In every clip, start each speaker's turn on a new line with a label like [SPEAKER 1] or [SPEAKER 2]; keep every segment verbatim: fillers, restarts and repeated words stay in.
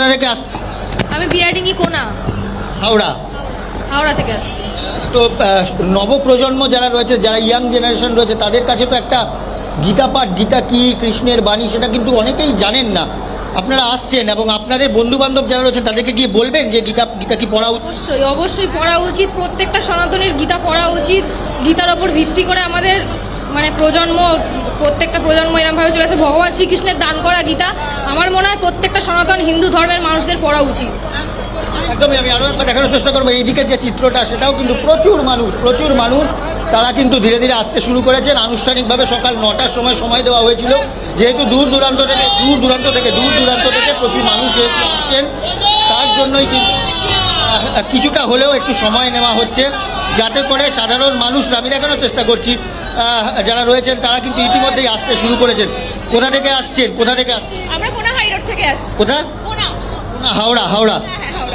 [SPEAKER 1] থেকে আসছেন?
[SPEAKER 2] আমি বিরাডিঙ্গি কোনা,
[SPEAKER 1] হাওড়া।
[SPEAKER 2] হাওড়া থেকে আসছি।
[SPEAKER 1] তো আহ, নবপ্রজন্ম যারা রয়েছে, যারা ইয়াং জেনারেশন রয়েছে, তাদের কাছে তো একটা গীতা পাঠ, গীতা কি, কৃষ্ণের বাণী, সেটা কিন্তু অনেকেই জানেন না। আপনারা আসছেন এবং আপনাদের বন্ধু বান্ধব যারা রয়েছে তাদেরকে গিয়ে বলবেন যে গীতা গীতা কি পড়া উচিত?
[SPEAKER 2] অবশ্যই অবশ্যই পড়া উচিত, প্রত্যেকটা সনাতনের গীতা পড়া উচিত। গীতার ওপর ভিত্তি করে আমাদের মানে প্রজন্ম, প্রত্যেকটা প্রজন্ম এরমভাবে চলে আসে। ভগবান শ্রীকৃষ্ণের দান করা গীতা আমার মনে হয় প্রত্যেকটা সনাতন হিন্দু ধর্মের মানুষদের পড়া উচিত।
[SPEAKER 1] একদমই। আমি আরও একবার দেখানোর চেষ্টা করবো এইদিকে যে চিত্রটা, সেটাও কিন্তু প্রচুর মানুষ, প্রচুর মানুষ তারা কিন্তু ধীরে ধীরে আসতে শুরু করেছেন। আনুষ্ঠানিকভাবে সকাল নটার সময় সময় দেওয়া হয়েছিল, যেহেতু দূর দূরান্ত থেকে দূর দূরান্ত থেকে দূর দূরান্ত থেকে প্রচুর মানুষ যেহেতু আসছেন, তার জন্যই কিন্তু আহ, কিছুটা হলেও একটু সময় নেওয়া হচ্ছে, যাতে করে সাধারণ মানুষরা, আমি দেখানোর চেষ্টা করছি, আহ, যারা রয়েছেন তারা কিন্তু ইতিমধ্যেই আসতে শুরু করেছেন। কোথা থেকে আসছেন? কোথা থেকে আসছেন?
[SPEAKER 3] আমরা কোনা হাই রোড থেকে আসছি।
[SPEAKER 1] কোথা?
[SPEAKER 3] কোনা।
[SPEAKER 1] না, হাওড়া। হাওড়া।
[SPEAKER 3] হ্যাঁ, হাওড়া।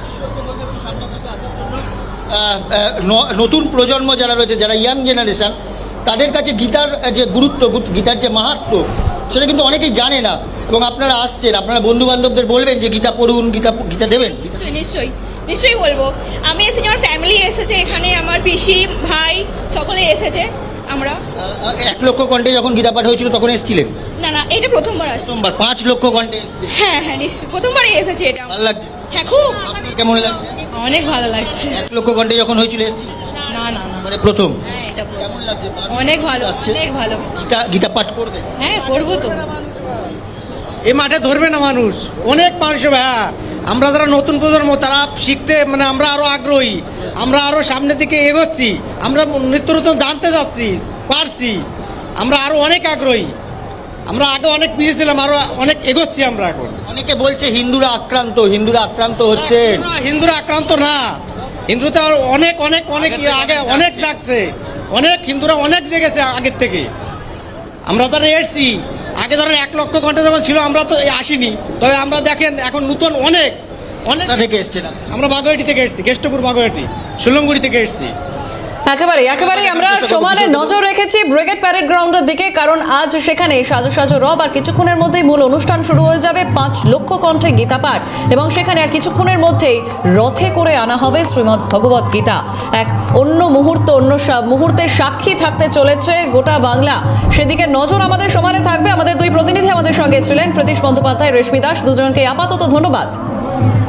[SPEAKER 1] আহ, আহ, ন- নতুন প্রজন্ম যারা রয়েছে, যারা ইয়াং জেনারেশন, তাদের কাছে গীতার যে গুরুত্ব, গুত- গীতার যে মাহাত্ম্য, সেটা কিন্তু অনেকেই জানে না। এবং আপনারা আসছেন, আপনারা বন্ধু বান্ধবদের বলবেন যে গীতা পড়ুন, গীতা গীতা দেবেন।
[SPEAKER 3] নিশ্চয়ই নিশ্চয়ই নিশ্চয়ই বলবো। আমি এসেছি, আমার ফ্যামিলি এসেছে এখানে, আমার পিসি ভাই সকলে এসেছে। আমরা
[SPEAKER 1] আহ, এক লক্ষ কণ্ঠে যখন গীতা পাঠ হয়েছিল তখন এসেছিলেন?
[SPEAKER 3] না না এটা প্রথমবার আসছি।
[SPEAKER 1] প্রথমবার পাঁচ লক্ষ কণ্ঠে এসেছিলেন।
[SPEAKER 3] হ্যাঁ হ্যাঁ নিশ্চয়ই প্রথমবারই এসেছে এটা।
[SPEAKER 1] ভালো লাগছে?
[SPEAKER 3] হ্যাঁ খুব।
[SPEAKER 1] আপনার কেমন লাগছে?
[SPEAKER 2] অনেক ভালো লাগছে।
[SPEAKER 1] এক লক্ষ কণ্ঠে যখন হয়েছিল এসেছিলেন?
[SPEAKER 2] না না না,
[SPEAKER 1] মানে প্রথম।
[SPEAKER 2] হ্যাঁ এটা
[SPEAKER 1] কেমন লাগছে?
[SPEAKER 2] অনেক ভালো,
[SPEAKER 1] আসছে?
[SPEAKER 2] অনেক ভালো।
[SPEAKER 1] গীতা গীতা পাঠ করবে?
[SPEAKER 2] হ্যাঁ করবো তো।
[SPEAKER 4] এই মাঠে ধরবে না মানুষ, অনেক মানুষ হবে। হ্যাঁ, আমরা যারা নতুন প্রজন্ম তারা শিখতে মানে আমরা আরো আগ্রহী, আমরা আরো সামনের দিকে এগোচ্ছি, আমরা নিত্য নতুন জানতে যাচ্ছি, পারছি, আমরা আরো অনেক আগ্রহী। আমরা আগে অনেক পিছিয়ে ছিলাম, আরো অনেক এগোচ্ছি আমরা এখন।
[SPEAKER 1] অনেকে বলছে হিন্দুরা আক্রান্ত, হিন্দুরা আক্রান্ত হচ্ছেন।
[SPEAKER 4] হিন্দুরা- হিন্দুরা আক্রান্ত না, হিন্দুরা অনেক অনেক অনেক আগে অনেক লাগছে, অনেক হিন্দুরা অনেক জেগেছে আগের থেকে। আমরা তারা এসছি, আগে ধরেন এক লক্ষ ঘন্টা যখন ছিল আমরা তো আসিনি, তবে আমরা দেখেন এখন নতুন অনেক অনেক
[SPEAKER 1] কোথা থেকে এসেছেন?
[SPEAKER 4] আমরা বাগুয়াটি থেকে এসেছি, কেষ্টপুর বাগুয়াটি, সুলঙ্গুড়ি থেকে এসেছি।
[SPEAKER 5] একেবারে একেবারেই আমরা সমানে নজর রেখেছি ব্রিগেড প্যারেড গ্রাউন্ডের দিকে, কারণ আজ সেখানে সাজো সাজো রব আর কিছুক্ষণের মধ্যেই মূল অনুষ্ঠান শুরু হয়ে যাবে। পাঁচ লক্ষ কণ্ঠে গীতা পাঠ এবং সেখানে আর কিছুক্ষণের মধ্যেই রথে করে আনা হবে শ্রীমদ্ ভগবত গীতা। এক অন্য মুহূর্ত, অন্য সা- মুহূর্তের সাক্ষী থাকতে চলেছে গোটা বাংলা। সেদিকে নজর আমাদের সমানে থাকবে। আমাদের দুই প্রতিনিধি আমাদের সঙ্গে ছিলেন, প্রতীশ বন্দ্যোপাধ্যায়, রেশমি দাস, দুজনকে আপাতত ধন্যবাদ।